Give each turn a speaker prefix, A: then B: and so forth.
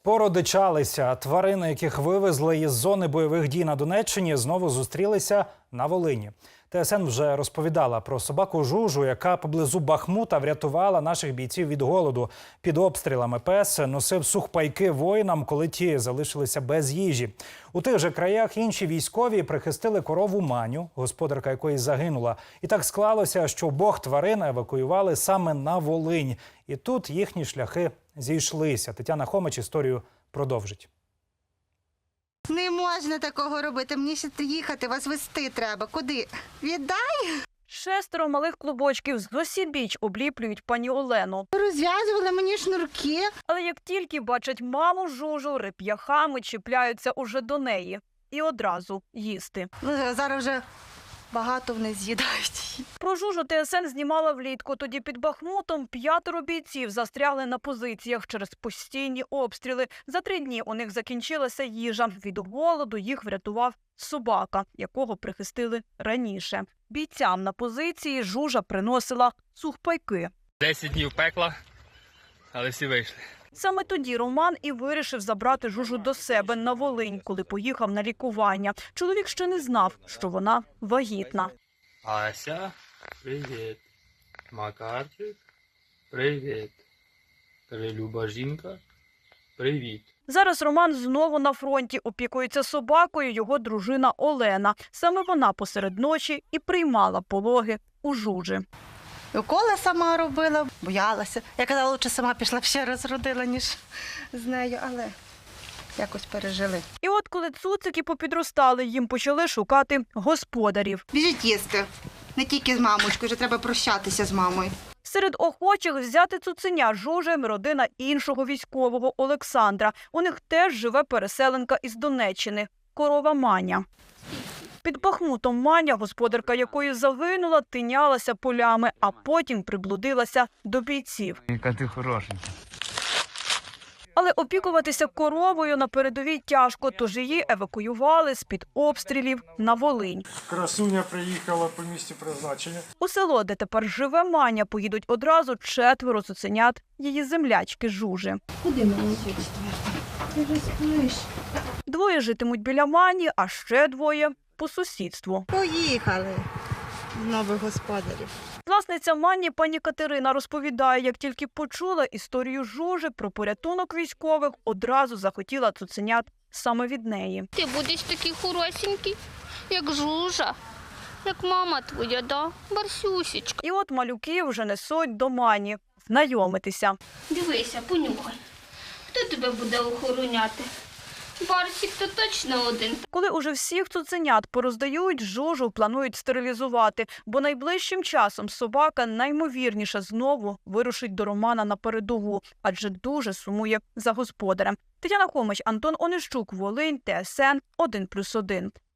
A: Породичалися. Тварини, яких вивезли із зони бойових дій на Донеччині, знову зустрілися на Волині. ТСН вже розповідала про собаку Жужу, яка поблизу Бахмута врятувала наших бійців від голоду. Під обстрілами пес носив сухпайки воїнам, коли ті залишилися без їжі. У тих же краях інші військові прихистили корову Маню, господарка якої загинула. І так склалося, що обох тварин евакуювали саме на Волинь. І тут їхні шляхи зійшлися. Тетяна Хомич історію продовжить.
B: Не можна такого робити. Мені ще їхати, вас везти треба. Куди? Віддай?
C: 6 малих клубочків з усібіч обліплюють пані Олену.
B: Розв'язували мені шнурки.
C: Але як тільки бачать маму Жужу, реп'яхами чіпляються уже до неї. І одразу їсти.
B: Зараз вже багато вони з'їдають.
C: Про Жужу ТСН знімала влітку. Тоді під Бахмутом 5 бійців застрягли на позиціях через постійні обстріли. За 3 дні у них закінчилася їжа. Від голоду їх врятував собака, якого прихистили раніше. Бійцям на позиції Жужа приносила сухпайки.
D: 10 днів пекла, але всі вийшли.
C: Саме тоді Роман і вирішив забрати Жужу до себе на Волинь, коли поїхав на лікування. Чоловік ще не знав, що вона вагітна.
D: Ася, привіт. Макарчик, привіт. Люба жінка, привіт.
C: Зараз Роман знову на фронті, опікується собакою його дружина Олена. Саме вона посеред ночі і приймала пологи у Жужі.
B: Уколи сама робила, боялася. Я казала, лучше сама пішла б ще раз родила, ніж з нею, але якось пережили.
C: І от коли цуцики попідростали, їм почали шукати господарів.
B: Біжіть їсти. Не тільки з мамочкою, вже треба прощатися з мамою.
C: Серед охочих взяти цуценя Жужі родина іншого військового Олександра. У них теж живе переселенка із Донеччини – корова Маня. Під Бахмутом Маня, господарка якої загинула, тинялася полями, а потім приблудилася до бійців.
D: Яка ти хорошенька.
C: Але опікуватися коровою на передовій тяжко, тож її евакуювали з-під обстрілів на Волинь.
E: Красуня приїхала по місцю призначення.
C: У село, де тепер живе Маня, поїдуть одразу 4 цуценят її землячки Жужі.
B: Куди мені сюди? Ти вже спиш.
C: 2 житимуть біля Мані, а ще 2 – по сусідству.
B: Поїхали нових господарів.
C: Власниця Мані, пані Катерина, розповідає, як тільки почула історію Жужі про порятунок військових, одразу захотіла цуценят саме від неї.
F: Ти будеш такий хорошенький, як Жужа, як мама твоя, да? Барсюсечка.
C: І от малюки вже несуть до Мані знайомитися.
F: Дивися, понюхай. Хто тебе буде охороняти? Барсик то точно один.
C: Коли уже всіх цуценят пороздають, Жужу планують стерилізувати, бо найближчим часом собака наймовірніше знову вирушить до Романа на передову, адже дуже сумує за господарем. Тетяна Хомич, Антон Онищук, Волинь, ТСН 1+1.